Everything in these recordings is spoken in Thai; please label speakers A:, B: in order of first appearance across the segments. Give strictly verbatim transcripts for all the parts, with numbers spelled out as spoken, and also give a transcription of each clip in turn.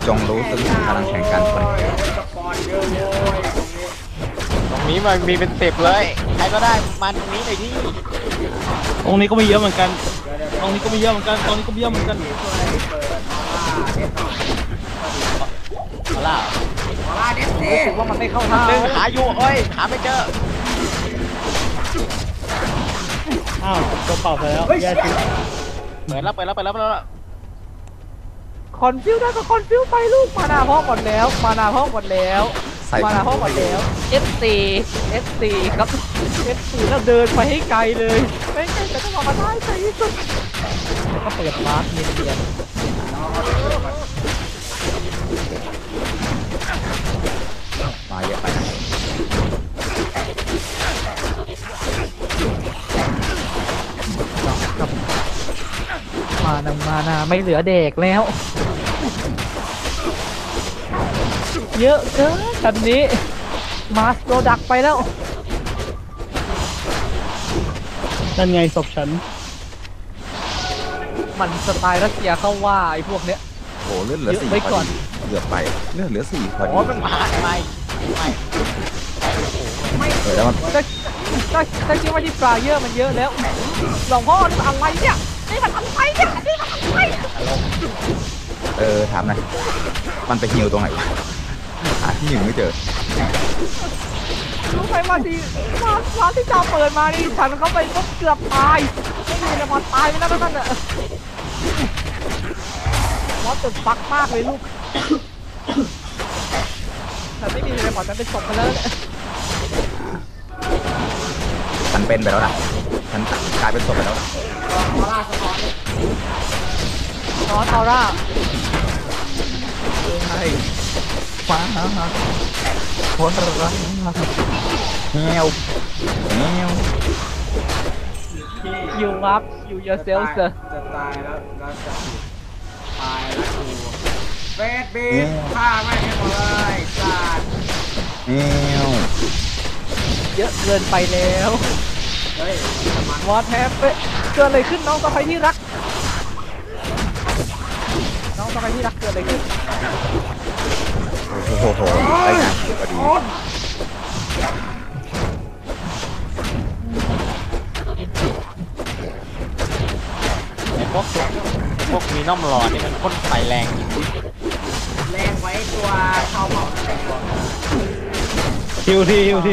A: จงรู้ซึ่งพลังแห่งการคน
B: ตรงนี้มันมีเป็นสิบเลยใครก็ได้มันตรงนี้หน่อยที่
C: ตรงนี้ก็ไม่เยอะเหมือนกันตรงนี้ก็ไม่เยอะเหมือนกันตรงนี้ก็ไม่เยอะเหมือนกัน
B: มาล่า
D: มาล่าเด็ดเด็ด
B: ว่ามันไม่เข้าท่าหนึ่งหาอยู่เอ้ยหาไม่เจอ
C: อ้าวตัวเปล่าไปแล้วแย่จริง
B: เปิดแล้วเปิดแล้วเปิดแล้วเปิดแล้ว
D: คอนฟิวได้ก็คอนฟิวไปลูกมานาพ่อหมดแล้วมานาพ่อหมดแล้วมานาพ่อหมดแล้ว เอฟ ซี เอฟ ซี ครับ เอฟ ซี แล้วเดินไปให้ไกลเลยไม่ไกลแต่ต้องมาได้ใจที่สุดแล้วก็เปิดมาร์คเนียน
A: ๆมาเยอะไป
D: มานามานาไม่เหลือเด็กแล้วเยอะเกินแบบนี้มาสโตรดักไปแล้ว
C: นั่นไงศพฉัน
D: มันสไตล์รัสเซียเข้าว่าไอ้พวกเนี้ย
A: โอ้เลือดเหลือสี่พอดีเกือบไปเลือดเหลือสี่พอดี
B: โอ้มันมาทำไมไม่
D: ไม่แล้วมันก็ก็ก็คิดว่าที่ปลาเยอะมันเยอะแล้วหลวงพ่อนี่มันอะไรเนี่ยนี่มันอะไรเนี่ยนี่มันอะไร
A: เออถามหน่อยมันไปฮิวตรงไหนหาที่หนึ่งไม่เจอ
D: รู้ไหมว่าที่ร้านร้านที่เจ้าเปิดมานี่ฉันเข้าไปก็เกือบตายไม่มีเลยมอนตายไปแล้วนั่นน่ะมอนจนฟักมากเลยลูกแต่ไม่มีเลยมอนนั้นเป็นศพไปแล้ว
A: ฉันเป็นไปแล้วนะฉันกลายเป็นศพไปแล้ว
D: นอนออร่า
A: ใช่ฟ้าคนรักเงี้ยวเงี้ยว
D: อยู่วับอยู่เยอะเซลส์จะ
E: ตายแล้วแล้วจะตายแล้วกูเฟสบีมฆ่าไม่ให้หมดเลยสัตว์
A: เงี้ยว
D: เยอะเกินไปแล้ว
E: เฮ้ยว
D: อทแฮปเกิดอะไรขึ้นน้องสะใภ้ที่รักน้องสะใภ้ที่รักเกิดอะไรขึ้น
A: โอ้โหโหได้งานพอดี
B: ไอ้พวกพวกมีน้อมหลอดนี่มันพ่นไฟแรง
E: แรงไว้ตัวชาวเผ่า
C: ฮิวทีฮิวที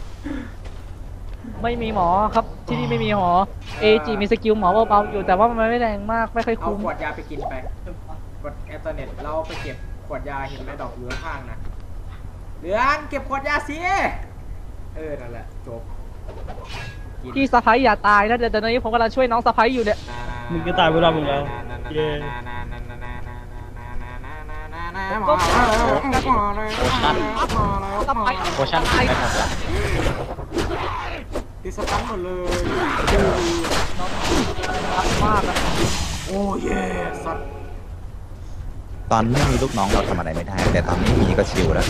D: ไม่มีหมอครับที่นี่ไม่มีหมอเอจีมีสกิลหมอเบาๆอยู่แต่ว่ามันไม่แรงมากไม่ค่อยคุ้ม
E: เอาขวดยาไปกินไปกดแอตเน็ตเราไปเก็บขวดยาเห็นไหมดอกเหลืองข้างนะเหลืองเก็บขวดยาสิเออนั่นแหละจบ
D: พี่สะใภ้อย่าตายนะเดี๋ยวตอนนี้ผมกำลังช่วยน้องสะใภ้อยู่เนี่ย
C: มึงจะตายไปรอบนึงแล้วเย้
B: โคชั่นได้หมดแล้ว
E: ติดสตันหมดเลย
D: มาก
E: โอ้เย่สัตว์
A: ตอนไม่มีลูกน้องเราทำอะไรไม่ได้แต่ตอนนี้มีก็ชิลแล้ว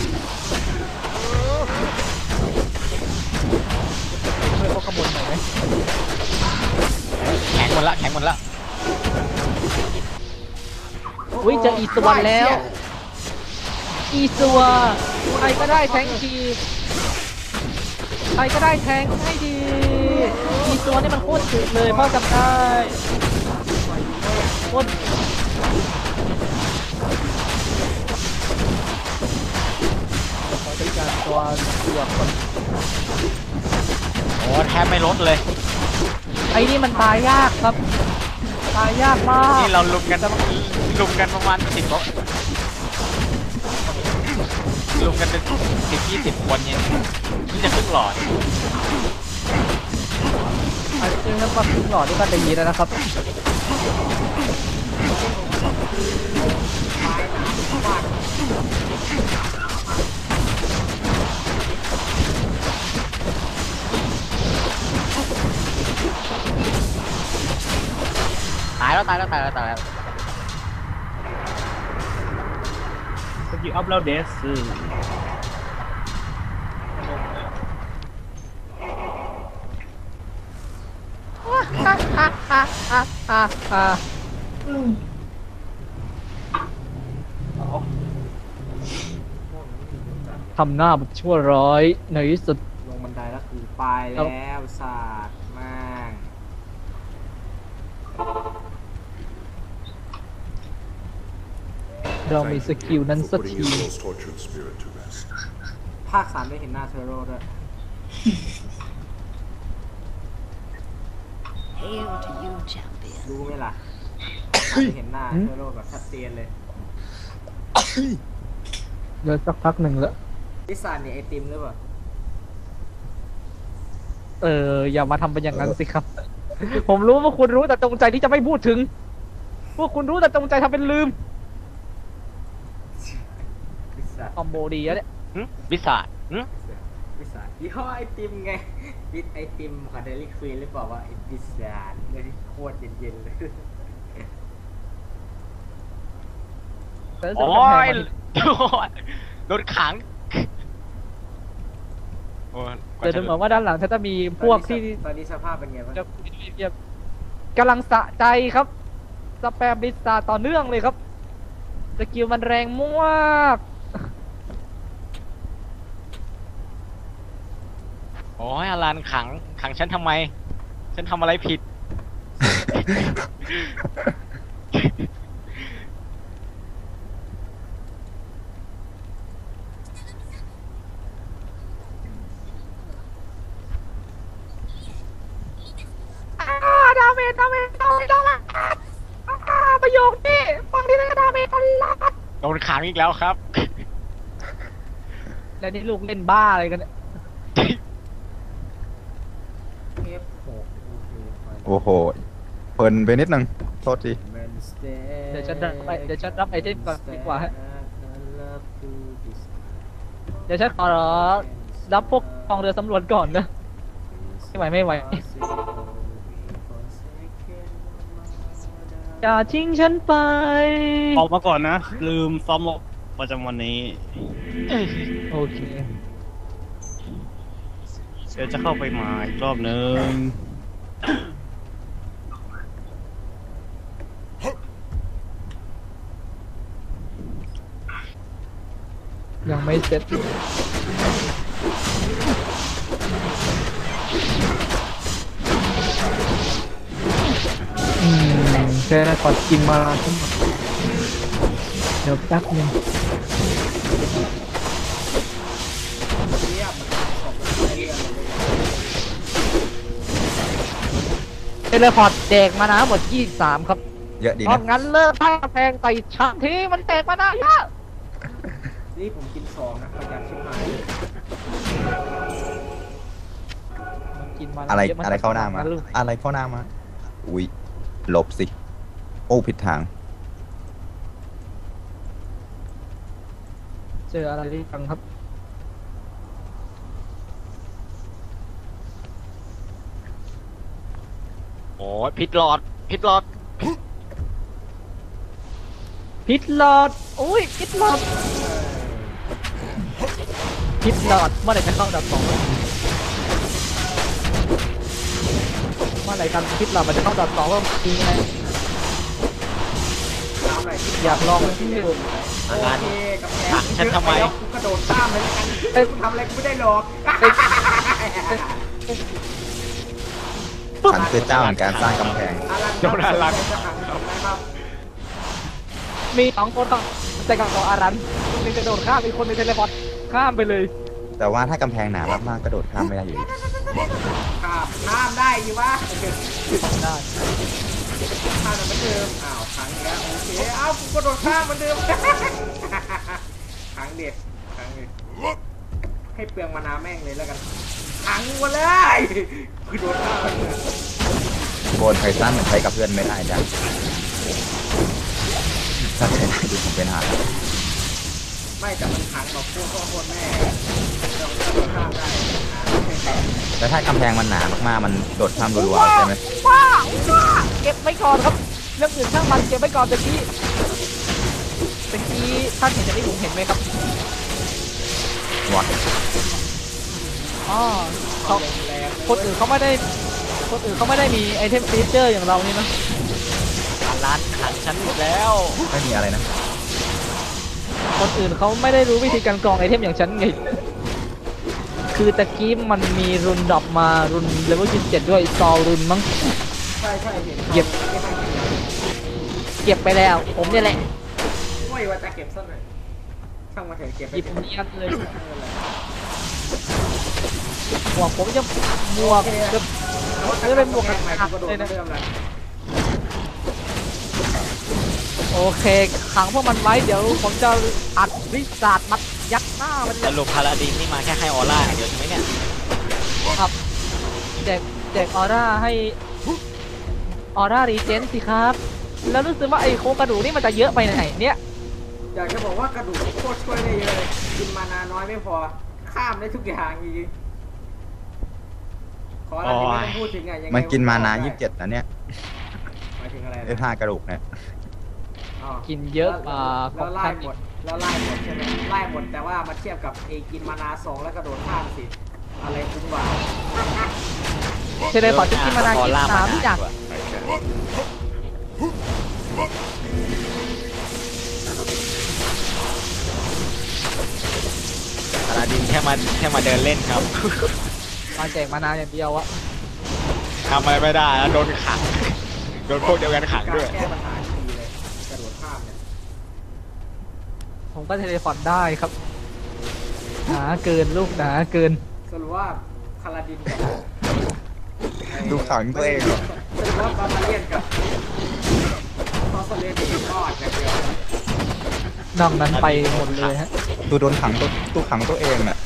D: ช่วยพวกขบวนหน่อยไหม
B: แข็งหมดละแข็งหมดละ
D: อุ้ยเจออีสวรรค์แล้วอีสวรรค์ใครก็ได้แทงทีใครก็ได้แทงให้ดีอีสวรรค์นี่มันโคตรถึกเลยพ่อจำได้โคตรขอจัดการตัวตัวก่อน
B: โอ้แทบไม่ลดเลย
D: ไอ้นี่มันตายยากครับตายยากมาก
B: นี่เราลุมกันลุมกันประมาณสิบคนลุมกันเป็นสิบยี่สิบคนเนี่ยนี่จะขึ้นหลอด
D: ไอ้จริงแล้วก็ขึ้นหลอดด้วยกันได้ยินแล้วนะครับ
B: ตายแล้วตายแล้วตายแล้วตายแล้ว
C: สกิลอัพแล้วเดส
D: ฮ่าฮ่าฮ่าฮ่าฮ่าฮ่าทำหน้าแบบชั่วร้ายในที่สุด
E: ลงบันไดแล้วคือไปแล้วศาสตร์มาก
D: เรามีสกิลนั้นสัก
F: putting
D: ที
F: Israel's tortured spirit to rest.
E: ภาคสามได้เห็นหน้าเทโร่ด้วย
G: Hail to you, champion.
E: รู้ไหมล่ะได้เห็นหน้าเทโร่แบบชัดเจนเลย
D: เดี๋ยวสักพักหนึ่งแล้ว
E: พิซซ่าเนี่ยไอติมหรือเปล่า
D: เอออย่ามาทำเป็นอย่างนั้นสิครับ ผมรู้ว่าคุณรู้แต่จงใจที่จะไม่พูดถึงพวกคุณรู้แต่จงใจทำเป็นลืม
E: พิซซ่า
D: คอมโบดีแล้วเนี่ย
B: หึวิสาดหึ
E: พิซซ่ายี่ห้อไอติมไงบิดไอติมของเดลี่ควีนหรือเปล่าว่าไอพิซซ่าเนี่ยที่โคตรเย็นๆเลย
D: แต่รู้สึก
B: โอ้
D: ว่าแพง
B: ย
D: มัน
B: โดนขังโอ้ยก
D: แต่
B: ว่า
D: ดู
B: จะ
D: เหมือนว่าด้านหลังฉันจะมีพวกที่
E: ตอนนี้สภาพเป็นไงบ้าง
D: จะกำลังสะใจครับสแปมบิสตาต่อเนื่องเลยครับสกิลมันแรงมาก
B: โอ้ยอลันขังขังฉันทำไม ฉันทำอะไรผิด
D: อ่าดาเมจดาเมจดาเมจดาเมจอ่าประโยคนี้ฟังที่นั่นก็ดาเมจตลอด
B: โดนขังอีกแล้วครับ
D: แล้วนี่ลูกเล่นบ้าอะไรกันเนี่ย
E: เอฟหก
A: โอ้โหเพลินไปนิดนึงโทษที
D: เดี๋ยวฉันรับไปเดี๋ยวฉันรับไอเทมก่อนดีกว่าฮะเดี๋ยวฉันขอรับพวกกองเรือสำรวจก่อนนะไม่ไหวไม่ไหวอย่าทิ้งฉันไป
C: ออกมาก่อนนะ ลืมซ้อมรบประจำวันนี้
D: โอเค
C: เดี๋ยวจะเข้าไปใหมาอีกรอบนึง
D: ยังไม่เสร็จอืมแค่ขอกินมาทั้งหมดเดี๋ยวแป๊บนึง
E: เรียบของเรียบเลย
D: เทเลพอร์ตแดกมานะหมดยี่สิบสามครับ
A: เยอะดี
D: เพราะ
A: นะ
D: งั้นเลิกท่าแพงใส่ชามทีมันแตกมานะเยอะ
E: นี่ผมกินสองนะประหยัดชิบหาย
D: มันกินมา
A: อะไร
D: ยน
A: อะไรเข้าหน้ามา
D: ลูก
A: อะไรเข้าหน้ามาอุ้ยหลบสิ โอ้ผิดทาง
D: เจออะไรที่ฟังครับ
B: โอ้ยพิษหลอดพิษหลอด
D: พิษหลอดอุ้ยพิษหลอดพิษหลอดเมื่อไหร่จะเข้าดับสองเมื่อไหร่กันพิษหลอดมันจะเข้าดับสองก็ดีไง
E: ตามอะไรที่
D: อยากลองที่ดู
E: โอเคกับแพ
B: ขังฉันทำไม
E: กูกระโดดข้ามเลยละกันเอ้ยกูทำอะไรกูไม่ได้หรอก
A: ฉันคือเจ้าแห่งการสร้างกำแพง
B: โดนอลัน
E: จะขังทำไมครับ
D: มีสองคนต่อแต่กับต่ออารันคนหนึงจะโดดข้ามอีกคนหนึงเทเลพอร์ตข้ามไปเลย
A: แต่ว่าถ้ากำแพงหนามากๆกระโดดข้ามไม่ได้อยู่ดี
E: ข้ามข้ามได้อยู่วะ
D: ได้
E: ข้ามเหมือนเดิมอ้าวขังอีกแล้วโอเคอ้าวกูกระโดดข้ามเหมือนเดิมขังเด็ดขังเด็ดให้เปลืองมานาแม่งเลยแล้วกันขังมาเลยกูโดนข้ามเหมือนเดิม
A: โบนไททันมันใช้กับเพื่อนไม่ได้จ้ะถ้าใช้ได้ดูผมเป็นหา
E: ไม่แต่มันขังแบบพวกพ่อคนแม่เราโดดข้ามได้อ่า
A: แล้วถ้ากำแพงมันหนามากๆมันโดดข้ามรัวๆใช่ไหม
D: ว้าวว้าวเก็บไว้ก่อนครับเรื่องอื่นช่างมันเก็บไว้ก่อนตะกี้ตะกี้ท่านเห็นจากที่ผมเห็นไหมครับ
A: วะ
D: อ๋อเขาคนอื่นเขาไม่ได้คนอื่นเขาไม่ได้มีไอเทมฟีเจอร์อย่างเรานี่นะ
B: อลันขังฉันอีกแล้ว
A: ไม่มีอะไรนะ
D: คนอื่นเขาไม่ได้รู้วิธีการกรองไอเทมอย่างฉันไงคือตะกี้มันมีรุนดรอปมารุนเลเวลยี่สิบเจ็ดด้วยซอลรุนมั้ง
E: ใช่ใช่เห็น
D: เก็บ เก็บไปแล้วผมเนี่ยแหละ
E: ไม่ว่าจะเก็บสักหน่อยช่างมาเถอะเก็บไป
D: หยิบ
E: เถอะ
D: เนียนเลย
E: ไม่เป็นไร
D: หมวกผมจะหมวกจะจะเป็นหมวกกระ
E: ใหม่
D: ตัก
E: กูกระโดด
D: เลยนะ
E: เริ่มแล้ว
D: โอเคขังพวกมันไว้เดี๋ยวผมจะอัดวิสาดมัดยัดหน้ามัน
B: สรุปพาราดินนี่มาแค่ให้ออร่าอย่างเดียวใช่ไหมเนี่ย
D: ครับแจกแจกออร่าให้ออร่ารีเจนสิครับ แล้วรู้สึกว่าไอ้โครงกระดูกนี่มันจะเยอะไปไหนเนี่ย
E: อยากจะบอกว่ากระดูกโคตรช่วยได้เยอะเลยกินมานาน้อยไม่พอข้ามได้ทุกอย่างจริงๆขออะไรที่ไม่ต้องพูดถึงไงยังไง
A: มันกินมานา
E: ได้
A: ยี่สิบเจ็ดนะเนี่ย
E: หมายถึงอะไร
A: ไอ้
E: นะ
A: ท่ากระดูกเนี่ย
E: อ๋อ
D: กินเยอะกว่าข
E: แล้
D: อง
E: วไล่
D: ท่าน
E: หมดแล้วไล่หมดใช่ไหมไล่หมดแต่ว่ามาเทียบกับไอ้กินมานาสองแล้วกระโดดข้ามสิอะไรคุ้มกว่า
D: เชลเลยขอจะกินมานากินสามอย่าง
B: พาราดินแค่มาแค่มาเดินเล่นครับ
D: มาแจกมานาอย่างเดียวอะ
B: ทำอะไรไม่ได้แล้วโดนขังโดนพวกเดียวกันขัง
E: การ
B: ด้วย
E: แก้ปัญหาทีเลยกระโดดข้ามเนี่ย
D: ผมก็เทเลพอร์ตได้ครับหนาเกินลูกหนาเกิน
E: สรุปว่าคาราดินกับไอ้
A: ดูขังตัวเองเหรอ
E: สรุปว่าบาบาเลียนกับทอสเลนนี่รอดอย่างเดียวน
D: อกนั้นไปหมดเลยฮะ
A: ดูโดนขังตัวตู้ขังตัวเองน่ะ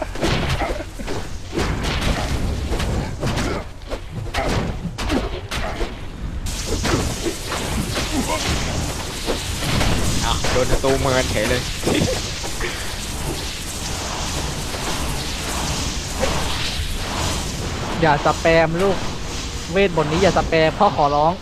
B: อ้าวโดนศัตรูเมินเฉยเลย
D: อย่าสแปมลูกเวทบนนี้อย่าสแปมพ่อขอร้อง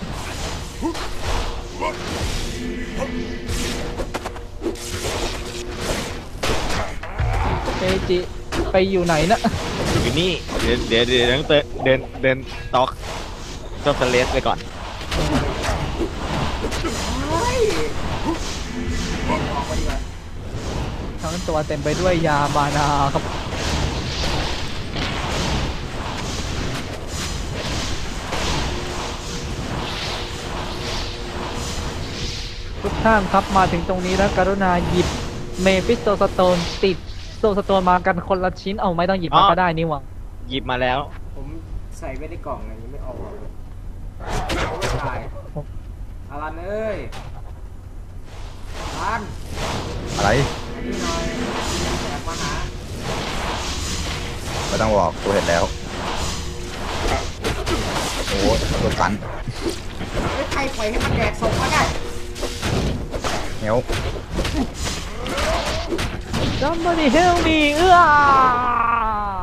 D: เอจิไปอยู่ไหนนะ
B: อยู่นี่เดี๋ยวเดี๋ยวเดี๋ยวต้องเดินเดินเดินต็อกจอมสเลสไปก่อน
E: เฮ้ยออกมาดีกว่า
D: ทั้งตัวเต็มไปด้วยยาบานาครับทุกท่านครับมาถึงตรงนี้แล้วกรุณาหยิบเมฟิสโตสโตนติดโซสโตนมากันคนละชิ้นเอาไม่ต้องหยิบมาก็ได้นี่หว่า
B: หยิบมาแล้ว
E: ผมใส่ไว้ในกล่องอันนี้ไม่ออกหรอกไม่ตายอารันเอ้ยอารัน
A: อะไร
E: อันนี้หน่อยแอบมาหา
A: ไม่ต้องบอกกูเห็นแล้ว โอ้โดนฟัน
E: เฮ้ยใครปล่อยให้มันแดกศพมาได้
A: เหนียว
D: Somebody help me เอื้อ